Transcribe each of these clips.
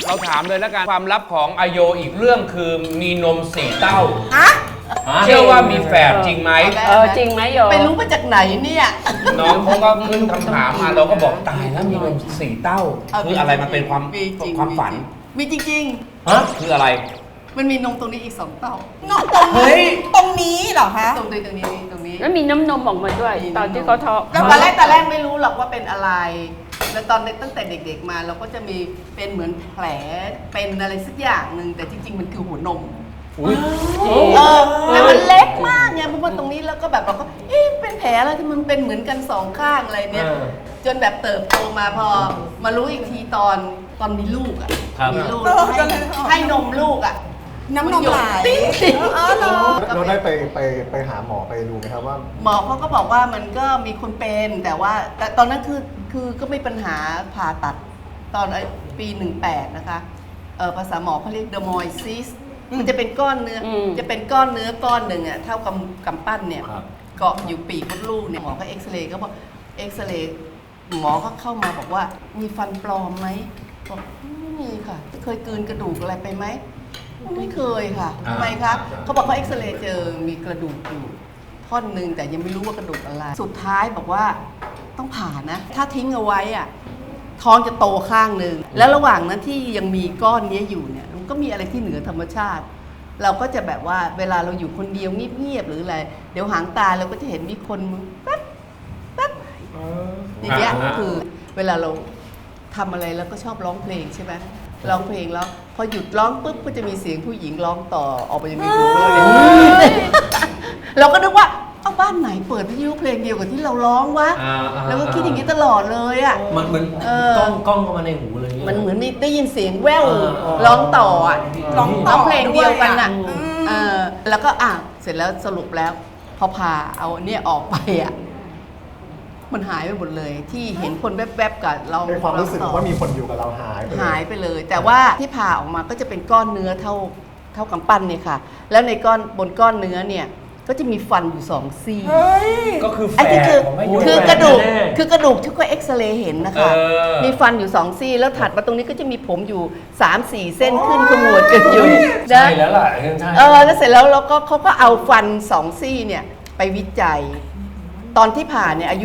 เราถามเลยแล้วกันความลับของอโยอีกเรื่องคือมีนม4 เต้าฮะเชื่อว่ามีแฝดจริงไหมจริงไหมโยไปรู้มาจากไหนเนี่ยน้องเขาก็ขึ้นคำถามมาเราก็บอกตายแล้วมีนม4 เต้าคืออะไรมันเป็นความมีจริงความฝันมีจริงฮะคืออะไรๆมันมีนมตรงนี้อีก2 เต้าเฮ้ยตรงนี้เหรอคะตรงนี้แล้วมีน้ำนมออกมาด้วย ตอนที่เขาท้องแล้วตอนแรกไม่รู้หรอกว่าเป็นอะไร แล้วตอนตั้งแต่เด็กๆมาเราก็จะมีเป็นเหมือนแผลเป็นอะไรสักอย่างหนึ่งแต่จริงๆมันคือหัวนมอุ้ยแต่มันเล็กมากไงเพราะว่าตรงนี้แล้วก็แบบเราก็เอ๊ะเป็นแผลอะไรที่มันเป็นเหมือนกัน2 ข้างอะไรเนี่ยจนแบบเติบโตมาพอมารู้อีกทีตอนมีลูกอ่ะมีลูกให้นมลูกอ่ะน้ำนมไหลติ๊งเหรอเราได้ไปหาหมอไปดูไหมครับว่าหมอเขาก็บอกว่ามันก็มีคนเป็นแต่ว่าแต่ตอนนั้นคือก็ไม่ปัญหาผ่าตัดตอนปี18นะคะภาษาหมอเขาเรียก dermoisis มันจะเป็นก้อนเนื้อจะเป็นก้อนเนื้อก้อนหนึ่งอ่ะเท่ากำปั้นเนี่ยเกาะอยู่ปีกมดลูกเนี่ยหมอก็เอ็กซเรย์ก็บอกเอ็กซเรย์หมอก็เข้ามาบอกว่ามีฟันปลอมไหมบอกไม่มีค่ะเคยกลืนกระดูกอะไรไปไหมไม่เคยค่ะทำไมคะเขาบอกเขาเอ็กซเรย์เจอมีกระดูกอยู่ท่อนหนึ่งแต่ยังไม่รู้ว่ากระดูกอะไรสุดท้ายบอกว่าต้องผ่านะถ้าทิ้งเอาไว้อ่ะท้องจะโตข้างหนึ่งแล้วระหว่างนั้นที่ยังมีก้อนนี้อยู่เนี่ยมันก็มีอะไรที่เหนือธรรมชาติ เราก็จะแบบว่าเวลาเราอยู่คนเดียวเงียบๆหรืออะไรเดี๋ยวหางตาเราก็จะเห็นมีคนแป๊บแป๊บอย่างเงี้ยคือเวลาเราทำอะไรแล้วก็ชอบร้องเพลงใช่ไหมร้องเพลงแล้วพอหยุดร้องปุ๊บก็จะมีเสียงผู้หญิงร้องต่อออกมาจากในหูเราเนี่ยเราก็นึกว่าเอาบ้านไหนเปิดวิทยุเพลงเดียวกับที่เราร้องวะแล้วก็คิดอย่างนี้ตลอดเลยอ่ะมันเหมือนกล้องเข้ามาในหูเลยมันเหมือนมีได้ยินเสียงแว่วร้องต่ออ่ะร้องเพลงเดียวกันอ่ะแล้วก็เสร็จแล้วสรุปแล้วพอพาเอาเนี่ยออกไปอ่ะมันหายไปหมดเลยที่เห็นคนแวบๆกับเราในความรู้สึกว่ามีคนอยู่กับเราหายไปเลยแต่ว่าที่ผ่าออกมาก็จะเป็นก้อนเนื้อเท่ากำปั้นเนี่ยค่ะแล้วในบนก้อนเนื้อเนี่ยก็จะมีฟันอยู่2 ซี่ก็คือแฝไอ้ที่ดคือกระดูกที่ก็เอ็กซเรย์เห็นนะคะมีฟันอยู่2 ซี่แล้วถัดมาตรงนี้ก็จะมีผมอยู่3-4 เส้นขึ้นขมวดกันอยู่ใช่แล้วล่ะใช่แล้วเสร็จแล้วเขาก็เอาฟัน2 ซี่เนี่ยไปวิจัย ตอนที่ผ่าเนี่ยอายุ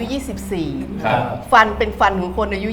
24 ฟันเป็นฟันของคนอายุ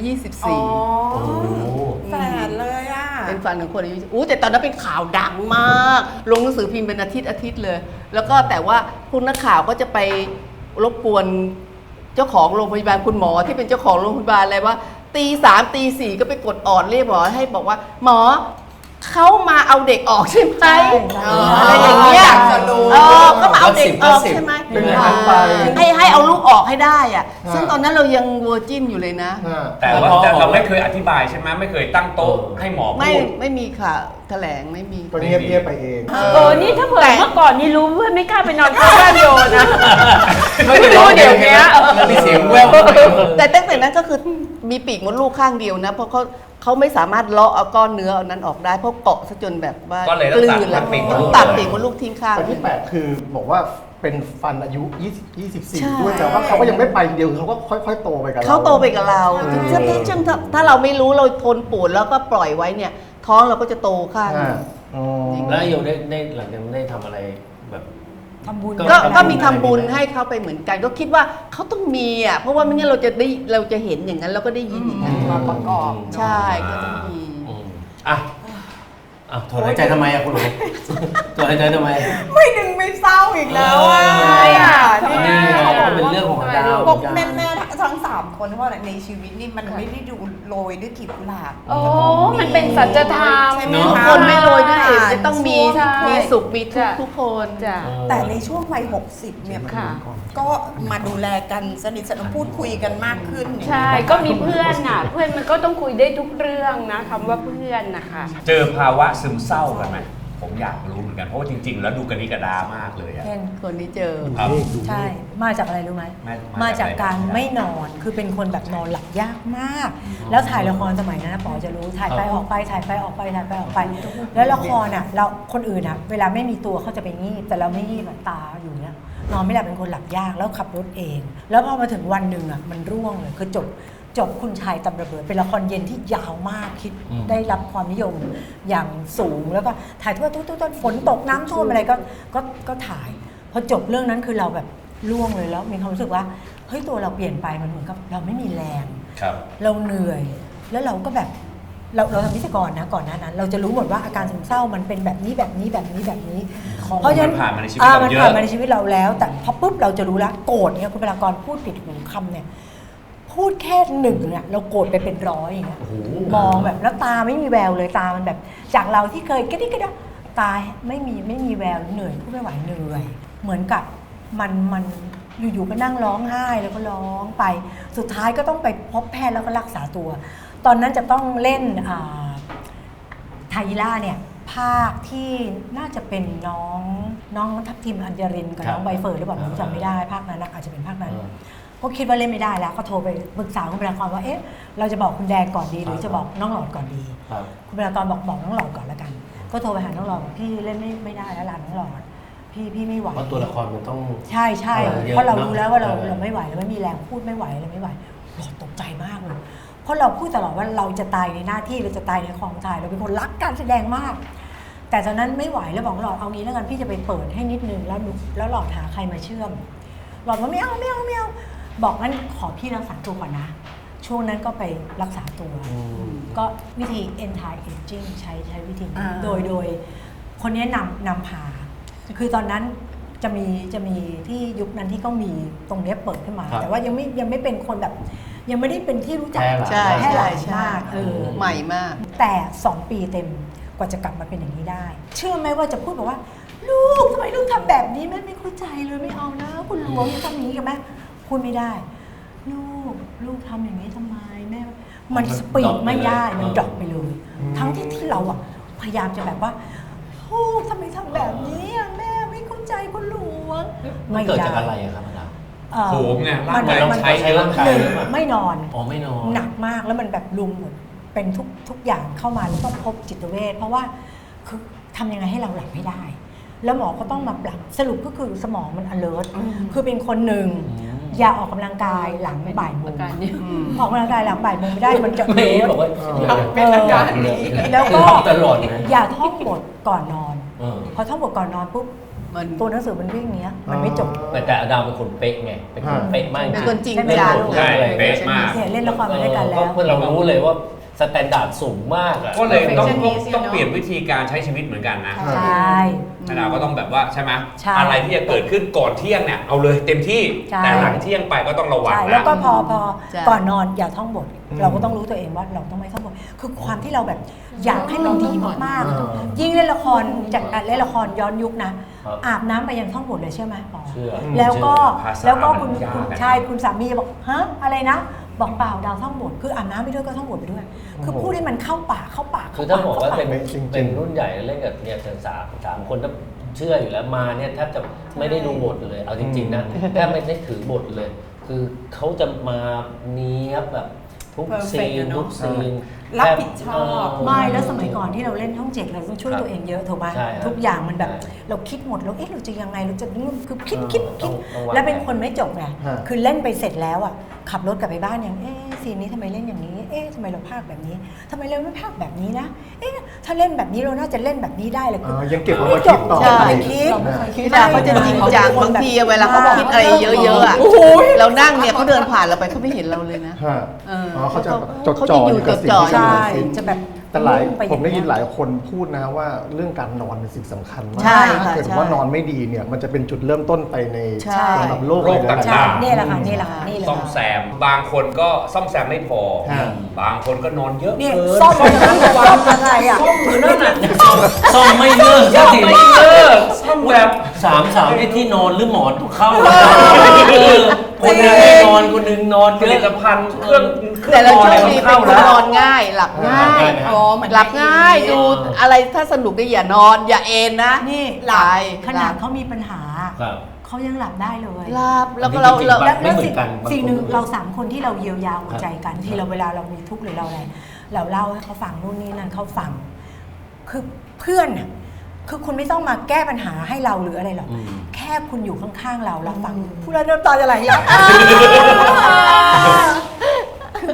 24 แฝดเลยอ่ะเป็นฟันของคนอายุแต่ตอนนั้นเป็นข่าวดังมากลงหนังสือพิมพ์เป็นอาทิตย์เลย แล้วก็แต่ว่าพวกนักข่าวก็จะไปรบกวนเจ้าของโรงพยาบาลคุณหมอที่เป็นเจ้าของโรงพยาบาลอะไรว่าตี 3ตี 4ก็ไปกดออดเรียกหมอให้บอกว่าหมอเขามาเอาเด็กออกใช่ไหมอะไรอย่างเงี้ยก็มาเอาเด็กออกใช่ไหมให้เอาลูกออกให้ได้อ่ะซึ่งตอนนั้นเรายังเวอร์จินอยู่เลยนะแต่ว่าเราไม่เคยอธิบายใช่ไหมไม่เคยตั้งโต๊ะให้หมอพูดไม่มีค่ะแถลงไม่มีก็เงียบๆไปเองนี่ถ้าเผื่อเมื่อก่อนนี่รู้เพื่อนไม่กล้าไปนอนข้างบ้านโยนะไม่รู้เดี๋ยวนี้มีเสียงแววแต่ตั้งแต่นั้นก็คือมีปีกมดลูกข้างเดียวนะเพราะเขาไม่สามารถเลาะเอาก้อนเนื้ออันนั้นออกได้เพราะเกาะซะจนแบบว่าก็เลยต้องตัดปีกมดลูกตัดปีกมดลูกทิ้งข้างแต่ที่แปลกคือบอกว่าเป็นฟันอายุใช่ 24 ด้วยแต่ว่าเขาก็ยังไม่ไปเดียวเขาก็ค่อยๆโตไปกับเราเขาโตไปกับเราซึ่งถ้าเราไม่รู้เราทนปวดแล้วก็ปล่อยไว้เนี่ยท้องเราก็จะโตข้างแล้วโยได้หลังจากนั้นได้ทำอะไรแบบทำบุญก็มีทำบุญให้เขาไปเหมือนกัน ก็คิดว่าเขาต้องมีอ่ะเพราะว่าไม่งั้นเราจะเห็นอย่างนั้นเราก็ได้ยินอย่างนั้นมาประกอบใช่ก็ต้องมีถอนหายใจทำไมคุณหนูถอนหายใจทำไมไม่ดึงไม่เศร้าอีกแล้วอ่ะนี่เป็นเรื่องของดาวบอกแม่ทั้ง3 คนว่าในชีวิตนี่มันไม่ได้ดูโรยด้วยกลีบกุหลาบมันเป็นสัจธรรมใช่ไหมทุกคะคนไม่โรยด้วยจะต้องมีใช่มีสุขมีทุกคนจ้ะแต่ในช่วงวัย60เนี่ยค่ะก็มาดูแลกันสนิทสนมพูดคุยกันมากขึ้นใช่ก็มีเพื่อนน่ะเพื่อนมันก็ต้องคุยได้ทุกเรื่องนะคำว่าเพื่อนนะคะเจอภาวะซึมเศร้ากันไหมผมอยากรู้เหมือนกันเพราะว่าจริงๆแล้วดูกันนี้กระดามากเลยอะเคนคนที่เจอครับใช่ มาจากอะไรรู้ไหม มาจากการไม่นอน คือเป็นคนแบบนอนหลับยากมาก แล้วถ่ายละครสมัยนั้นนะป๋อจะรู้ ถ่ายไปออกไป ถ่ายไปออกไป ถ่ายไปออกไป แล้วละครอ่ะ เราคนอื่นอ่ะ เวลาไม่มีตัวเขาจะไปงีบ แต่เราไม่งีบแบบตาอยู่เนี้ย นอนไม่หลับเป็นคนหลับยาก แล้วขับรถเอง แล้วพอมาถึงวันหนึ่งอ่ะ มันร่วงเลย คือจจบคุณชายตำระเบิดเป็นละครเย็นที่ยาวมากคิดได้รับความนิยมอย่างสูงแล้วก็ถ่ายทั่วต้นฝนตกน้ำท่วมอะไรก็ถ่ายพอจบเรื่องนั้นคือเราแบบล่วงเลยแล้วมีความรู้สึกว่าเฮ้ยตัวเราเปลี่ยนไปมันเหมือนกับเราไม่มีแรงครับเราเหนื่อยแล้วเราก็แบบเราทำวิศวกรนะก่อนหน้านั้น เราจะรู้หมดว่าอาการซึมเศร้ามันเป็นแบบนี้เพราะฉะนั้นมันผ่านมาในชีวิตเราเยอะมันผ่านมาในชีวิตเราแล้ว แต่พอปุ๊บเราจะรู้แล้วโกรธเนี่ยคุณเวลากรพูดติดหูคำเนี่ยพูดแค่หนึ่งเนี่ยเราโกรธไปเป็นร้อยอย่างเงี้ยมองแบบแล้วตาไม่มีแววเลยตามันแบบจากเราที่เคยกระดิกกระดกตาไม่มีแววเหนื่อยพูดไม่ไหวเหนื่อยเหมือนกับมันอยู่ๆก็นั่งร้องไห้แล้วก็ร้องไปสุดท้ายก็ต้องไปพบแพทย์แล้วก็รักษาตัวตอนนั้นจะต้องเล่นไทยล่าเนี่ยภาคที่น่าจะเป็นน้องทัพทิมอัญญรินกับน้องใบเฟิร์นหรือเปล่าผมจำไม่ได้ภาคนั้นอาจจะเป็นภาคนั้นก็คิดว่าเล่นไม่ได้แล้วก็โทรไปปรึกษาคุณเบลากรว่าเอ๊ะเราจะบอกคุณแดงก่อนดีหรือจะบอกน้องหลอดก่อนดีคุณเบลากรบอกน้องหลอดก่อนแล้วกันก็โทรไปหาน้องหลอดพี่เล่นไม่ได้แล้วล่ะน้องหลอดพี่ไม่ไหวเพราะตัวละครมันต้องใช่เพราะเรารู้แล้วว่าเราไม่ไหวเราไม่มีแรงพูดไม่ไหวเราไม่ไหวหลอดตกใจมากเลยเพราะเราพูดตลอดว่าเราจะตายในหน้าที่เราจะตายในกองถ่ายเราเป็นคนรักการแสดงมากแต่ตอนนั้นไม่ไหวแล้วบอกหลอดเอางี้แล้วกันพี่จะไปเปิดให้นิดนึงแล้วหลอดหาใครมาเชื่อมหลอดว่าไม่เอาบอกงั้นขอพี่รักษาตัวก่อนนะช่วงนั้นก็ไปรักษาตัวก็วิธี anti aging ใช้วิธีโดยคนนี้นำพาคือตอนนั้นจะมีที่ยุคนั้นที่ก็มีตรงนี้เปิดขึ้นมาแต่ว่ายังไม่เป็นคนแบบยังไม่ได้เป็นที่รู้จักแพร่หลายมากใหม่มากแต่2 ปีเต็มกว่าจะกลับมาเป็นอย่างนี้ได้เชื่อไหมว่าจะพูดบอกว่าลูกทำไมลูกทำแบบนี้แม่ไม่เข้าใจเลยไม่เอานะคุณหลวงอย่าทำอย่างนี้กับแม่พูดไม่ได้ลูกทำอย่างนี้ทำไมแม่มันสปีดไม่ได้มันดรอปไปเลยทั้งที่เราอ่ะพยายามจะแบบว่าลูกทำไมทำแบบนี้แม่ไม่เข้าใจคุณหลวงมันเกิดจากอะไรครับอาจารย์โหมไงร่างกายต้องใช้ร่างกายไม่นอนไม่นอนหนักมากแล้วมันแบบลุมหมดเป็นทุกอย่างเข้ามาแล้วต้องพบจิตเวชเพราะว่าคือทำยังไงให้เราหลับให้ได้แล้วหมอก็ต้องมาปรับสรุปก็คือสมองมัน alert คือเป็นคนหนึ่งอย่าออกกำลังกายหลังบ่ายโมงออกกำลังกายหลังบ่ายโมงไม่ได้มันจะไม่บอกว่าเป็นอาการแล้วก็ตลอดนะอย่าท่องบทก่อนนอนพอท่องบทก่อนนอนปุ๊บตัวหนังสือมันวิ่งเนี้ยมันไม่จบแต่อดามเป็นคนเป๊ะไงเป็นคนเป๊ะมากเป็นคนจริงจังใช่เป๊ะมากเล่นละครมาด้วยกันแล้วเรารู้เลยว่าสแตนดาร์ดสูงมากก็เลยต้องเปลี่ยนวิธีการใช้ชีวิตเหมือนกันนะใช่เราก็ต้องแบบว่าใช่ไหมอะไรที่จะเกิดขึ้นก่อนเที่ยงเนี่ยเอาเลยเต็มที่แต่หลังเที่ยงไปก็ต้องระวังนะแล้วก็พอก่อนนอนอย่าท่องบทเราก็ต้องรู้ตัวเองว่าเราต้องไม่ท่องบทคือความที่เราแบบอยากให้มันดีมากๆยิ่งเล่นละครจากการเล่นละครย้อนยุคนะอาบน้ำไปยังท่องบทเลยเชื่อไหมป๋อแล้วก็คุณสามีจะบอกฮะอะไรนะบอกเปล่าดาวท่องบทคืออาบน้ำไปด้วยก็ท่องบทไปด้วยคือพูดให้มันเข้าปากคือถ้าบอกว่าเป็นรุ่นใหญ่เล่นกับเนี่ยสามคนถ้าเชื่ออยู่แล้วมาเนี่ยแทบจะไม่ได้ดูบทเลยเอาจริงๆนะแทบไม่ได้ถือบทเลยคือเขาจะมาเนี้ยแบบทุกซีนรับผิดชอบไม่แล้วสมัยก่อนที่เราเล่นช่อง7เราต้องช่วยตัวเองเยอะถูกไหมทุกอย่างมันแบบเราคิดหมดแล้วเราจะยังไงเราจะคือคิดแล้วเป็นคนไม่จบไงคือเล่นไปเสร็จแล้วอ่ะขับรถกลับไปบ้านอย่างซีนนี้ทำไมเล่นอย่างนี้ทำไมเราพากแบบนี้ทำไมเราไม่พากแบบนี้นะถ้าเล่นแบบนี้เราน่าจะเล่นแบบนี้ได้เลยยังเก็บเอาไว้คิดต่อคิดเขาจะจริงจังบางทีเวลาเขาคิดอะไรเยอะๆอ่ะเรานั่งเนี่ยเขาเดินผ่านเราไปเขาไม่เห็นเราเลยนะเขาจะจดจ่ออยู่กับสิ่งที่ใช่จะแบบแต่ผมได้ยินหลายคนพูดนะว่าเรื่องการนอนเป็นสิ่งสำคัญมากถ้าเกิดว่านอนไม่ดีเนี่ยมันจะเป็นจุดเริ่มต้นไปในสำหรับโรคต่างๆนี่แหละค่ะซ่อมแซมบางคนก็ซ่อมแซมไม่พอบางคนก็นอนเยอะเกินซ่อมอะไรอ่ะซ่อมอยู่นั่นน่ะซ่อมไม่เลิกซ่อมแบบสามที่นอนหรือหมอนทุกเข้าคนนึงนอนคนนึงนอนผลิตภัณฑ์เครื่องแต่เราโชคดีเป็นคนนอนง่ายหลับง่ายหลับง่ายดูอะไรถ้าสนุกก็อย่านอนอย่าเอนนะนี่หลับขนาดเขามีปัญหาเขายังหลับได้เลยหลับแล้วก็แล้วสิ่งหนึ่งเรา3 คนที่เราเยียวยาหัวใจกันที่เราเวลาเรามีทุกข์หรือเราอะไรเราเล่าให้เขาฟังนู่นนี่นั่นเขาฟังคือเพื่อนคือคุณไม่ต้องมาแก้ปัญหาให้เราหรืออะไรหรอกแค่คุณอยู่ข้างๆเราฟังพูดแล้วน้ำตาจะไหลแล้วคือ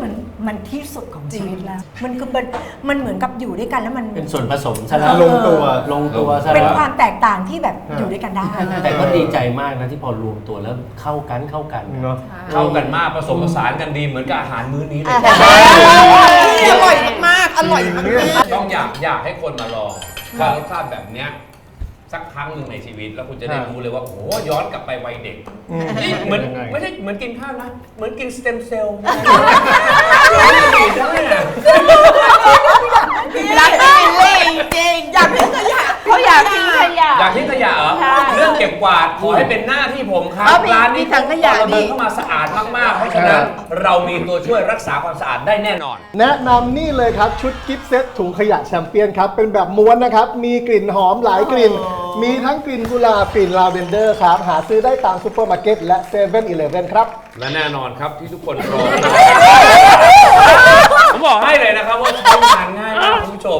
มันที่สุดของชีวิตแล้ว มันคือมันเหมือนกับอยู่ด้วยกันแล้วมันเป็นส่วนผสมซะแล้วลงตัวลงตัวซะเป็นแล้วความแตกต่างที่แบบอยู่ด้วยกันได้แต่ก็ดีใจมากนะที่พอรวมตัวแล้วเข้ากันเนาะเข้ากันมากผสมผสานกันดีเหมือนกับอาหารมื้อนี้เลยอร่อยมากๆอร่อยมากๆต้องอยากให้คนมาลองรสชาติแบบเนี้ยสักครั้งหนึ่งในชีวิตแล้วคุณจะได้รู้เลยว่าโอ้ย้อนกลับไปวัยเด็กนี่เหมือนยังไงไม่ใช่เหมือนกินข้าวนะเหมือนกินสเต็มเซลล์อยากได้เลยจริงอยากทิ้งขยะเขาอยากทิ้งขยะอยากทิ้งขยะเหรอใช่เรื่องเก็บกวาดขอให้เป็นหน้าที่ผมครับเอามีร้านนี้มีถังขยะเราเดินนี่เข้ามาสะอาดมากๆเพราะฉะนั้นเรามีตัวช่วยรักษาความสะอาดได้แน่นอนแนะนำนี่เลยครับ ชุดกิฟต์เซตถุงขยะแชมเปี้ยนครับ เป็นแบบม้วนนะครับ มีกลิ่นหอมหลายกลิ่น มีทั้งกลิ่นกุหลาบกลิ่นลาเวนเดอร์ครับ หาซื้อได้ตามซูเปอร์มาร์เก็ตและเซเว่นอีเลฟเว่นครับและแน่นอนครับที่ทุกคนรอ ผมบอกให้เลยนะครับว่าใช้งานง่ายมากคุณผู้ชม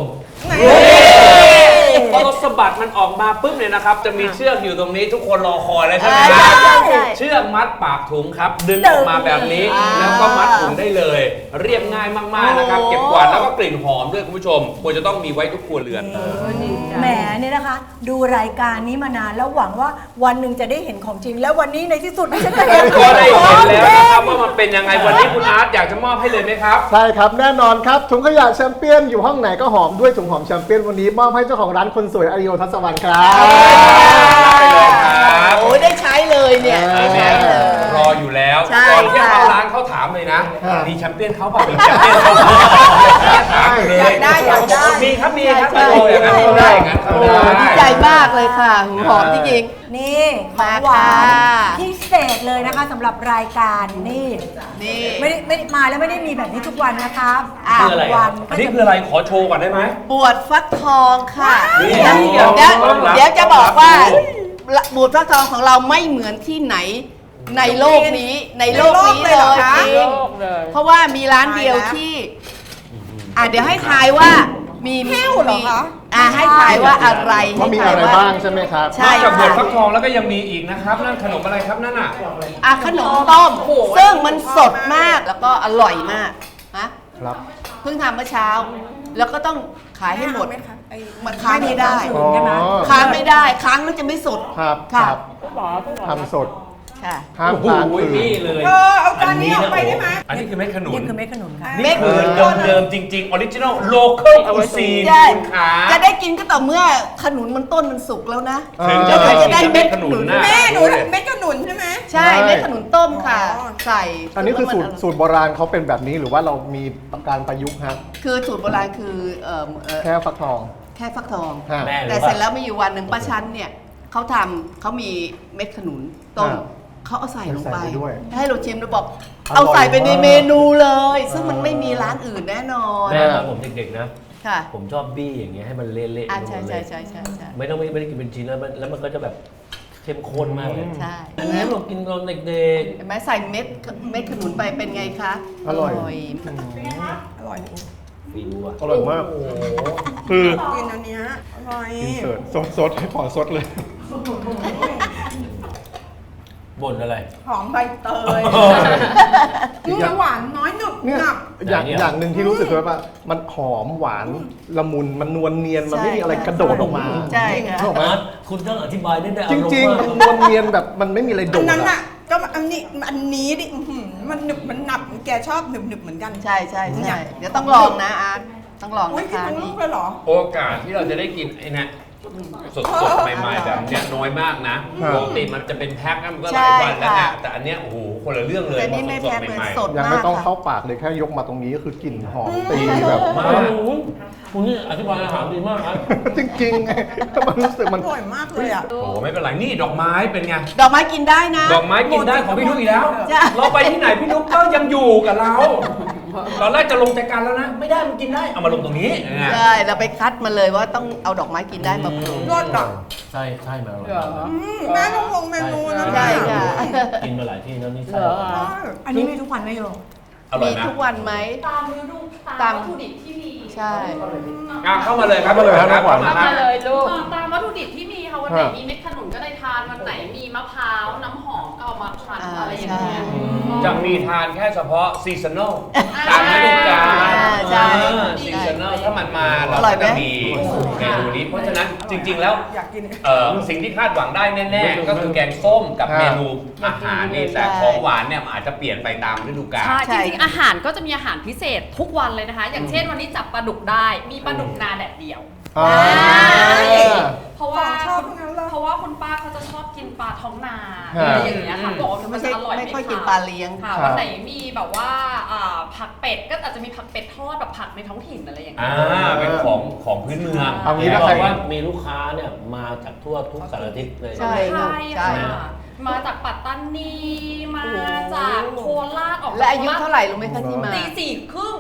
พอเราสะบัดมันออกมาปุ๊บเนี่ยนะครับ จะมีเชือกอยู่ตรงนี้ทุกคนรอคอยเลยใช่ไหมครับใช่เชือกมัดปากถุงครับ ดึงออกมาแบบนี้แล้วก็มัดถุงได้เลย เรียบง่ายมากๆนะครับ เก็บกวาดแล้วก็กลิ่นหอมด้วยคุณผู้ชมควรจะต้องมีไว้ทุกครัวเรือนแหมเนี่ยนะคะ ดูรายการนี้มานานแล้วหวังว่าวันหนึ่งจะได้เห็นของจริง แล้ววันนี้ในที่สุดดิฉันจะเห็นก็ได้เห็นแล้วนะครับว่ามันเป็นยังไงวันนี้คุณอาร์ตอยากจะมอบให้เลยไหมครับใช่ครับ แน่นอนครับ ถุงขยะแชมเปี้ยนอยู่ห้องไหนก็หอมด้วยถุงหอมแชมเปี้ยนวันนี้มอบให้เจ้าของร้านคนสวยอาริโอทัศวรรณครับไปเลยครับโอ้ยได้ใช้เลยเนี่ยเนี่ยรออยู่แล้วใช่ก่อนที่ค่ะเข้าร้านเขาถามเลยนะค่ะมีแชมเปี้ยนเขาเปล่ามีแชมเปี้ยนเขาเปล่าถามเลยอยากได้มีครับมีครับใช่โอ้อย่างนั้นเขาได้อย่างนั้นเขาโอ้ได้ดีใจมากเลยค่ะหอมจริงนี่ของหวานพิเศษเลยนะคะสำหรับรายการนี่ๆนี่ไม่ได้มาแล้วไม่ได้มีแบบนี้ทุกวันนะครับคืออะไรวัอ่ะนอันนี้คืออะไรขอโชว์ก่อนได้ไหมบวชฟักทองค่ะนี่เดี๋ยวต้อนรับเดี๋ยวจะบอกว่าบวชฟักทองของเราไม่เหมือนที่ไหนในโลกนี้ในโลกนี้ในโลกเลยเหรอคะเลยจริงโลกเลยเพราะว่ามีร้านเดียวที่เดี๋ยวให้ทายว่ามีแห้วเหรอคะให้ทายว่าอะไรว่ามีอะไรบ้างใช่ไหมครับใช่นอกจากบวชฟัค่ะกทองแล้วก็ยังมีอีกนะครับนั่นขนมอะไรครับนั่นอ่ะขนมต้มซึ่งมันสดมากแล้วก็อร่อยมากนะครับ เพิ่งทำเมื่อเช้า แล้วก็ต้องขายให้หมดไหมคะไอ้มันค้างไม่ได้อ๋อค้างไม่ได้ค้างแล้วจะไม่สดครับคค่ะรับหมอพี่หมอทำสดค่ะห้ามโอ้โหค้างคืนนี่เลยเอาจานนี้ออกไปได้ไหมอันนี้คือเม็ดขนุนนี่คือเม็ดขนุนค่ะนี่คือเดิมๆจริงๆออริจินอลโลเคอลคูซีนใช่คุณขาจะได้กินก็ต่อเมื่อขนุนมันต้นมันสุกแล้วนะถึงจะจะได้ได้เม็เม็ดดขขนุนุนนนะแม่หนูเม็ดขนุนใช่ไหมใช่เม็ดขนุนต้มค่ะอ๋อใส่อันนี้คือแล้วมันสูตรโบราณเขาเป็นแบบนี้หรือว่าเรามีการประยุกต์ฮะคือสูตรโบราณคือแค่ฟักทองแค่ฟักทองฮะแม่แต่เสร็จแล้วมีอยู่วันหนึ่งป้าชั้นเนี่ยเขามีเม็ดขนุนต้มอ่าเขาเอาใส่ลงไปใส่ไปด้วยให้เราชิมแล้วบอกอร่อยเอาใส่ไปในมากเมนูเลย ซึ่งมันไม่มีร้านอื่นแน่นอนแม่ตอนผมเด็กๆนะค่ะผมชอบบี้อย่างเงี้ยให้มันเละๆไปหมดใช่เลใช่ยใช่ใช่ใช่ไม่ได้กินเป็นชิ้นแล้วมันก็จะแบบเข้มข้นมากเลยใช่อันนี้เรากินตอนเด็กเห็นไหมใส่เม็ดขนุนไปเป็นไงคะอร่อยอร่อยๆฟิวอะอร่อยมาก คือกินอันเนี้ยอร่อยอินเสิร์ตสดให้ขอสดเลยบ่นอะไรหอมใบเตยหวานน้อยหนุบเนี่ยหนับอย่างหนึ่งที่รู้สึกว่ามันหอมหวานละมุนมันนวลเนียนมันไม่มีอะไรกระโดดออกมาใช่ค่ะถูกไหมอาร์ตคุณต้องอธิบายได้จอารมณ์ริงมากๆมันนวลเนียนแบบมันไม่มีอะไรโดอันดนั้นอะอ่ะก็อันนี้ดิอื้อหือมันหนึบมันหนับแกชอบหนึบหนึบเหมือนกันใช่ใช่ใช่เดี๋ยวต้องลองนะอาร์ตต้องลองอุ้ยนะกินคะทั้งลูนี่กเลยเหรอโอกาสที่เราจะได้กินไอ้เนี่ยสดๆใหม่ๆแบบเนี้ยน้อยมากนะปกติมันจะเป็นแพ็คนะมันก็หลายวันแล้วเนี่ยแต่อันเนี้ยโอ้โหคนละเรื่องเลยแต่นี่ไม่สดแพ้ๆเหมือนใหม่สดยังมาไม่กต้องค่ะเข้าปากเลยแค่ยกมาตรงนี้ก็คือกลิ่นหอมตีแบบมากคุณนี่อธิบายอาหารดีมากครับจริงๆไงมันรู้สึกอมันร่อยมากเลยอ่ะๆโอ้โหไม่เป็นไรนี่ดอกไม้เป็นไงดอกไม้กินได้นะดอกไม้กินได้ของพี่นุ๊กอีกแล้วจ้ะเราไปที่ไหนพี่นุ๊กก็ยังอยู่กับเรา ตอนแรกจะลงใจกันแล้วนะ ไม่ได้มันกินได้ เอามาลงตรงนี้ใช่เราไปคัดมาเลยว่าต้องเอาดอกไม้กินได้มาปรุงรสอ่ะใช่ใช่มาอร่อยมากแม่ต้องลงเมนูนะใช่ค่ะกินมาหลายที่แล้วนี่เหใช่รออันนี้มีทุกวันไหมโยอร่อมียนะทุกวันไหมตามฤดูตามวัตถุดิบที่มีใช่เข้ามาเลยครับเข้ามาเลยครับน้องขวัญเข้ามามาเลยลูกตามวัตถุดิบที่มีค่ะวันไหนมีเม็ดขนุนก็ได้ทานวันไหนมีมะพร้าวน้ำหอมก็เอามาทานอะไรอย่างเงี้ยจะมีทานแค่เฉพาะซีซันอลตามฤดูกาลใช่ซีซันอลถ้ามันมาเราอร่อยก็ไหมจะมีเมนูนี้เพราะฉะนั้นจริง ๆ แล้วสิ่งที่คาดหวังได้แน่ๆก็คือแกงส้มกับเมนูอาหารนี่แต่ของหวานเนี่ยมันอาจจะเปลี่ยนไปตามฤดูกาลใช่จริงๆอาหารก็จะมีอาหารพิเศษทุกวันเลยนะคะ อย่างเช่นวันนี้จับปลาดุกได้มีปลาดุกนาแดดเดียวอ่าเพราะว่าชอบทั้งนั้นเลยเพราะว่าคุณป้าเขาจะชอบกินปลาท้องนาฮะอะไรอย่างเงี้ยค่ะบอกว่าไม่มันใช่จะอร่อยไม่ค่อยขวกินปลาเลี้ยงค่ะครับวันไหนมีแบบว่าผักเป็ดก็อาจจะมีผักเป็ดทอดแบบผักในท้องถิ่นอะไรอย่างเงี้ยเป็นของพื้นเมืองเอางี้บนะอใครกว่ามีลูกค้าเนี่ยมาจากทั่วทุกสารทิศเลยใช่ใช่ใช่ค่ะ มาจากปัตตานีมาจากโคราชออกและอายุเท่าไหร่รู้ไหมคะที่มาตีสี่ครึ่ง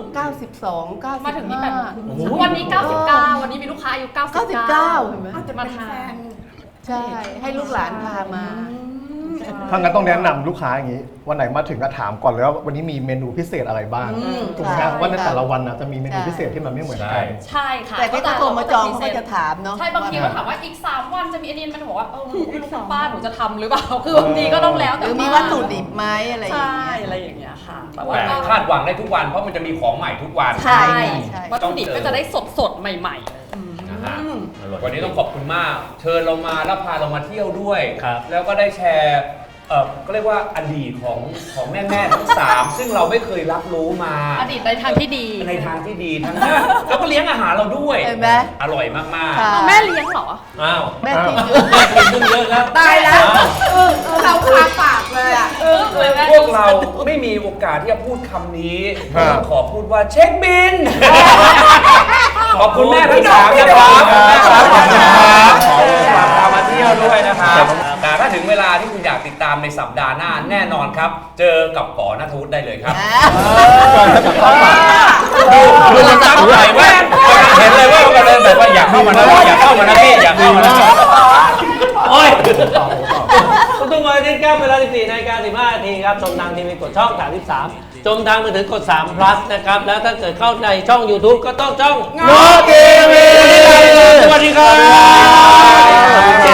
92 95 มาถึงนี่8วันนี้ 99 วันนี้มีลูกค้าอายุ 99 99เห็นไหมอาจจะเป็นแฟนใช่ให้ลูกหลานพามาถ้างั้นต้องแนะนำลูกค้าอย่างนี้ วันไหนมาถึงก็ถามก่อนเลยว่าวันนี้มีเมนูพิเศษอะไรบ้าง ถูกไหมครับว่าในแต่ละวันนะจะมีเมนูพิเศษที่มันไม่เหมือนกันใช่ค่ะแต่ถ้าโทรมาจองเขาก็จะถามเนาะใช่บางทีก็ถามว่าอีก 3 วันจะมีอันนี้มันบอกว่าหนูไม่รู้คุณป้าหนูจะทำหรือเปล่า คือบางทีก็ต้องแล้วหแต่รือมีวัตถุดิบไหมอะไรอย่างใช่เงี้ยอะไรอย่างเงี้ยค่ะแต่ว่าแต่ก็คาดหวังได้ทุกวันเพราะมันจะมีของใหม่ทุกวันใช่ใช่วัตถุดิบก็จะได้สดๆใหม่ๆนะฮะวันนี้ต้องขอบคุณมาก เชิญเรามาแล้วพาเรามาเที่ยวด้วยครับแล้วก็ได้แชร์ก็เรียกว่าอดีตของแม่ทั้ง 3 ซึ่งเราไม่เคยรับรู้มาอดีตในทางที่ดีในทางที่ดีทั้งนั้นแล้วก็เลี้ยงอาหารเราด้วยเห็นไหมอร่อยมากค่ะแม่เลี้ยงเหรออ้าวแม่กินเยแม่อะกินขึ้นเยอะครับตายแล้วเราคาปากเลยอ่ะๆ พวกเราไม่มีโอกาสที่จะพูดคำนี้ครับต้องขอพูดว่าเช็คบิน ขอบคุณแม่ทั้ง 3นะครับขอบคุณครับขอบคุณครับขอบคุณครับพามาเที่ยวด้วยนะครับแต่ถ้าถึงเวลาที่คุณอยากติดตามในสัปดาห์หน้าแน่นอนครับ เจอกับป๋อณัฐวุฒิได้เลยครับ ดูมันตั้งใจมากเห็นเลยว่ามันเลยแบบว่าอยากเข้ามานะอยากเข้ามานะพี่อยากเข้ามานะโอ้ยทุกวันอาทิตย์ครับเวลา 14:15 นครับชมทางทีวีกดช่อง 33ชมทางมือถือกด3 plus นะครับ แล้วถ้าเกิดเข้าในช่อง YouTube ก็ต้องช่องโนทีวีสวัสดีครับ